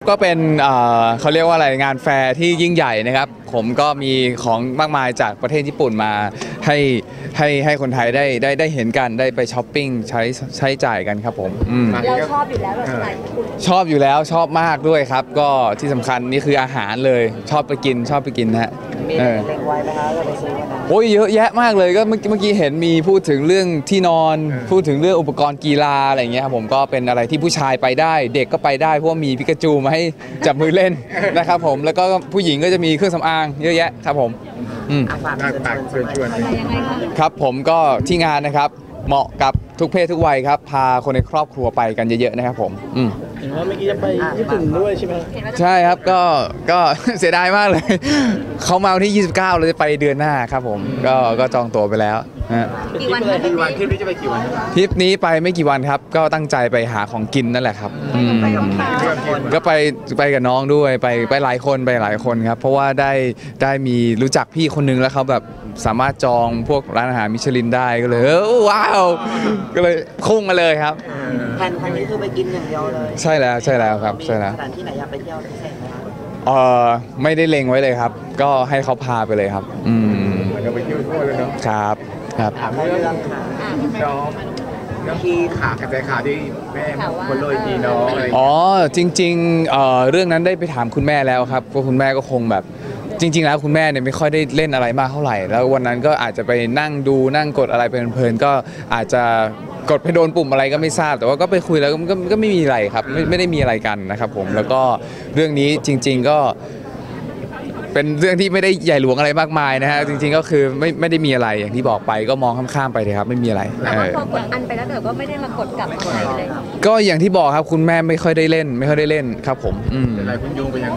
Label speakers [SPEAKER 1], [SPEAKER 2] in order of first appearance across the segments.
[SPEAKER 1] ก็เป็นเขาเรียกว่าอะไรงานแฟร์ที่ยิ่งใหญ่นะครับผมก็มีของมากมายจากประเทศญี่ปุ่นมาให้คนไทยได้เห็นกันได้ไปช้อปปิ้งใช้จ่ายกันครับผม
[SPEAKER 2] เราชอบอยู่แล้วแบบสไตล์ญี่ปุ่น
[SPEAKER 1] ชอบอยู่แล้วชอบมากด้วยครับก็ที่สำคัญนี่คืออาหารเลยชอบไปกินนะฮะ
[SPEAKER 3] มีเล็งไว้ไหมคะจะไปซื้อวันนั้น
[SPEAKER 1] โอ้ยเยอะแยะมากเลยก็เมื่อกี้เห็นมีพูดถึงเรื่องที่นอนพูดถึงเรื่องอุปกรณ์กีฬาอะไรอย่างเงี้ยครับผมก็เป็นอะไรที่ผู้ชายไปได้เด็กก็ไปได้เพราะว่ามีปิกาจูมาให้จับมือเล่นนะครับผมแล้วก็ผู้หญิงก็จะมีเครื่องสำอางเยอะแยะครับผม
[SPEAKER 3] ฝากเชิญชวน
[SPEAKER 1] ครับผมก็ที่งานนะครับเหมาะกับทุกเพศทุกวัยครับพาคนในครอบครัวไปกันเยอะๆนะครับผม
[SPEAKER 4] เห็นว่าเมื่อกี้จะไปญี่ปุ่นด้วยใช่ไหม
[SPEAKER 1] ใช่ครับก็เสียดายมากเลยเขามาวันที่29เราจะไปเดือนหน้าครับผมก็จองตั๋วไปแล้ว
[SPEAKER 2] กี่วันทริปนี้จะไปกี่วัน
[SPEAKER 1] ทริปนี้ไปไม่กี่วันครับก็ตั้งใจไปหาของกินนั่นแหละครับก็ไปกับน้องด้วยไปหลายคนครับเพราะว่าได้มีรู้จักพี่คนนึงแล้วเขาแบบสามารถจองพวกร้านอาหารมิชลินได้ก็เลยว้าวก็เลยพุ่งมาเลยครับ
[SPEAKER 3] แผนครั้งนี้คือไปกินอย่างเดียวเลย
[SPEAKER 1] ใช่แล้วครับใช่แล้ว
[SPEAKER 3] สถานที่ไหนอยากไปเที่ยวพิเศษไหมครับ
[SPEAKER 1] ไม่ได้เล็งไว้เลยครับก็ให้เขาพาไปเลยครับ
[SPEAKER 4] ก็ไปเที่ยวทั่วเลยเนาะ
[SPEAKER 1] ครับ
[SPEAKER 3] ถามเรื่องค่ะ
[SPEAKER 4] น้องที่ขากระจายข่าวที่แม่คนโรยทีน้องอะไร
[SPEAKER 1] จริงๆเรื่องนั้นได้ไปถามคุณแม่แล้วครับก็คุณแม่ก็คงแบบจริงๆแล้วคุณแม่เนี่ยไม่ค่อยได้เล่นอะไรมากเท่าไหร่แล้ววันนั้นก็อาจจะไปนั่งดูนั่งกดอะไรเพลินๆก็อาจจะกดไปโดนปุ่มอะไรก็ไม่ทราบแต่ว่าก็ไปคุยแล้วก็ไม่มีอะไรครับไม่ได้มีอะไรกันนะครับผมแล้วก็เรื่องนี้จริงๆก็เป็นเรื่องที่ไม่ได้ใหญ่หลวงอะไรมากมายนะฮะจริงๆก็คือไม่ได้มีอะไรอย่างที่บอกไปก็มองข้ามๆไปเลยครับไม่มีอะไร
[SPEAKER 2] แต่ว่าพอกดอันไปแล้วแต่ก็ไม่ได้มากดกลับมาใหม่เลย
[SPEAKER 1] ก็อย่างที่บอกครับคุณแม่ไม่ค่อยได้เล่นครับผม
[SPEAKER 4] หลายคนโยงไปยัง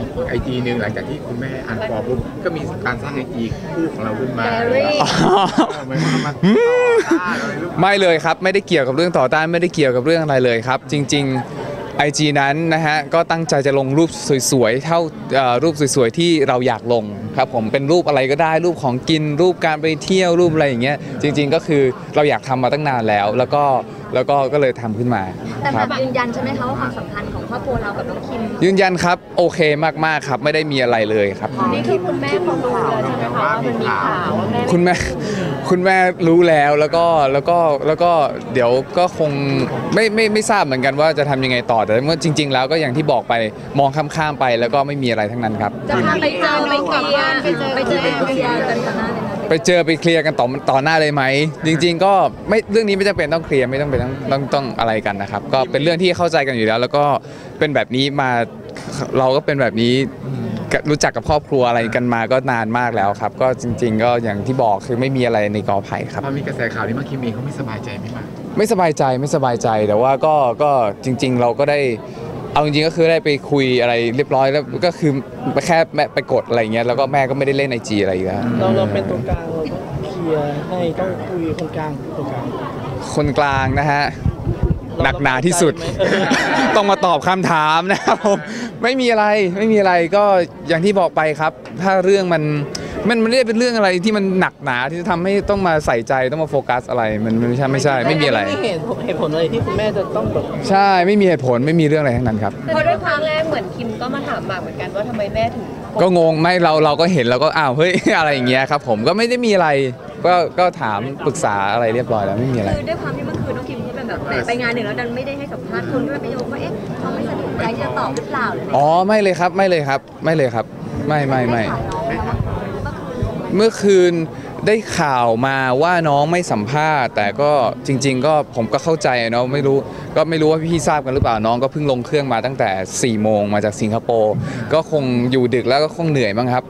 [SPEAKER 4] IG นึงหลังจากที่คุณแม่อ่านฟอร์ปุ๊บก็มีการสร้างIG คู่ของเราขึ้นมา
[SPEAKER 1] ไม่เลยครับไม่ได้เกี่ยวกับเรื่องต่อต้านไม่ได้เกี่ยวกับเรื่องอะไรเลยครับจริงๆIG นั้นนะฮะก็ตั้งใจจะลงรูปสวยๆเท่ารูปสวยๆที่เราอยากลงครับผมเป็นรูปอะไรก็ได้รูปของกินรูปการไปเที่ยวรูปอะไรอย่างเงี้ยจริงๆก็คือเราอยากทำมาตั้งนานแล้วก็เลยทำขึ้นมา
[SPEAKER 2] แต่แบบยืนยันใช่ไหมคะว่าความสัมพันธ์ของครอบครัวเรากับน้องคิม
[SPEAKER 1] ยืนยันครับโอเคมากๆครับไม่ได้มีอะไรเลยครับ
[SPEAKER 2] นี่คือคุณแม่เขารู้แล้วใช่ไหมคะว่ามันมีข่าวว่าแม่
[SPEAKER 1] คุณแม่รู้แล้วแล้วก็เดี๋ยวก็คงไม่ทราบเหมือนกันว่าจะทำยังไงต่อแต่เมื่อจริงๆแล้วก็อย่างที่บอกไปมองข้ามๆไปแล้วก็ไม่มีอะไรทั้งนั้นครับ
[SPEAKER 2] จะพาไปเจอน้องกับบ้านไปเจอกันต่อหน้าเลย
[SPEAKER 1] ไปเคลียร์กันต่อหน้าเลยไหมจริงๆก็ไม่เรื่องนี้ไม่จำเป็นต้องเคลียร์ไม่ต้องเป็นต้องอะไรกันนะครับก็เป็นเรื่องที่เข้าใจกันอยู่แล้วก็เป็นแบบนี้มาเราก็เป็นแบบนี้รู้จักกับครอบครัวอะไรกันมาก็นานมากแล้วครับก็จริงๆก็อย่างที่บอกคือไม่มีอะไรในกอไผ่ครับ
[SPEAKER 4] พอมีกระแสข่าวนี้มาคิมเองเขาไม่สบายใจไหมครับ
[SPEAKER 1] ไม่สบายใจแต่ว่าก็จริงๆเราก็ได้เอาจริงๆก็คือได้ไปคุยอะไรเรียบร้อยแล้วก็คือแค่แม่ไปกดอะไรเงี้ยแล้วก็แม่ก็ไม่ได้เล่นIGอะไรอีกแล้ว
[SPEAKER 4] เราเป็นตัวกลางเราต้องเคลียร์ให้ต้องคุยคนกลาง
[SPEAKER 1] นะฮะหนักหนาที่สุดต้องมาตอบคำถามนะครับผมไม่มีอะไรก็อย่างที่บอกไปครับถ้าเรื่องมันไม่ได้เป็นเรื่องอะไรที่มันหนักหนาที่จะทำให้ต้องมาใส่ใจต้องมาโฟกัสอะไรมันไม่ใช่ไม่มีอะไร
[SPEAKER 4] เหตุผลอะไรที่คุณแม่จะต้องแบบ
[SPEAKER 1] ใช่ไม่มีเหตุผลไม่มีเรื่องอะไรทั้งนั้นครับ
[SPEAKER 2] เพราะด้วยครั้งแรกเหมือนคิมก็มาถามหมากเหมือนกันว่าทำไมแม่ถึง
[SPEAKER 1] ก็งงไม่เราก็เห็นเราก็อ้าวเฮ้ยอะไรอย่างเงี้ยครับผมก็ไม่ได้มีอะไรก็ถามปรึกษาอะไรเรียบร้อยแล้วไม่มีอะไร
[SPEAKER 2] คือด้วยความที่เมื่อคืนน้องคิมเขาเป็นแบบไปงานหนึ่งแล้วดันไม่ได้ให้สัมภาษณ์คนด้วยไปโยงว่าเขาไม่สะดวกใจที่จะตอบหรือเปล่า
[SPEAKER 1] ไม่เลยครับไม่เมื่อคืนได้ข่าวมาว่าน้องไม่สัมภาษณ์แต่ก็จริงๆก็ผมก็เข้าใจเนาะไม่รู้ว่าพี่ทราบกันหรือเปล่าน้องก็เพิ่งลงเครื่องมาตั้งแต่4 โมงมาจากสิงคโปร์ก็คงอยู่ดึกแล้วก็คงเหนื่อยมั้งครับ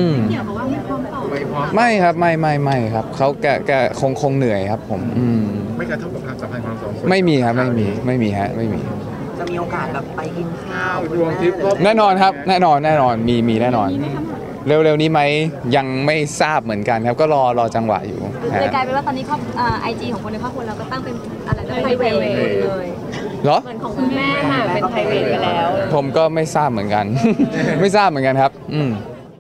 [SPEAKER 1] ไม่ครับไม่ครับเขาแกคงเหนื่อยครับผม
[SPEAKER 4] ไม่กระทบกับความสัมพันธ์ของสองคน
[SPEAKER 1] ไม่มีครับไม่มีฮะไม่มี
[SPEAKER 3] จะมีโอกาสแบบไปกินข้าว
[SPEAKER 4] รวมทริป
[SPEAKER 1] แน่นอนครับแน่นอนมีแน่นอนเร็วๆนี้ไหมยังไม่ทราบเหมือนกันครับก็รอจังหวะอยู่
[SPEAKER 2] เลยกลายเป็นว่าตอนนี้IG ของคนในครอบครัวเราก็ตั้งเป็นอะไรนะไพรเวทเลย
[SPEAKER 1] เหรอ
[SPEAKER 2] เหมือนของคุณแม่ค่ะเป็นไพรเวทไปแล้ว
[SPEAKER 1] ผมก็ไม่ทราบเหมือนกันไม่ทราบเหมือนกันครับ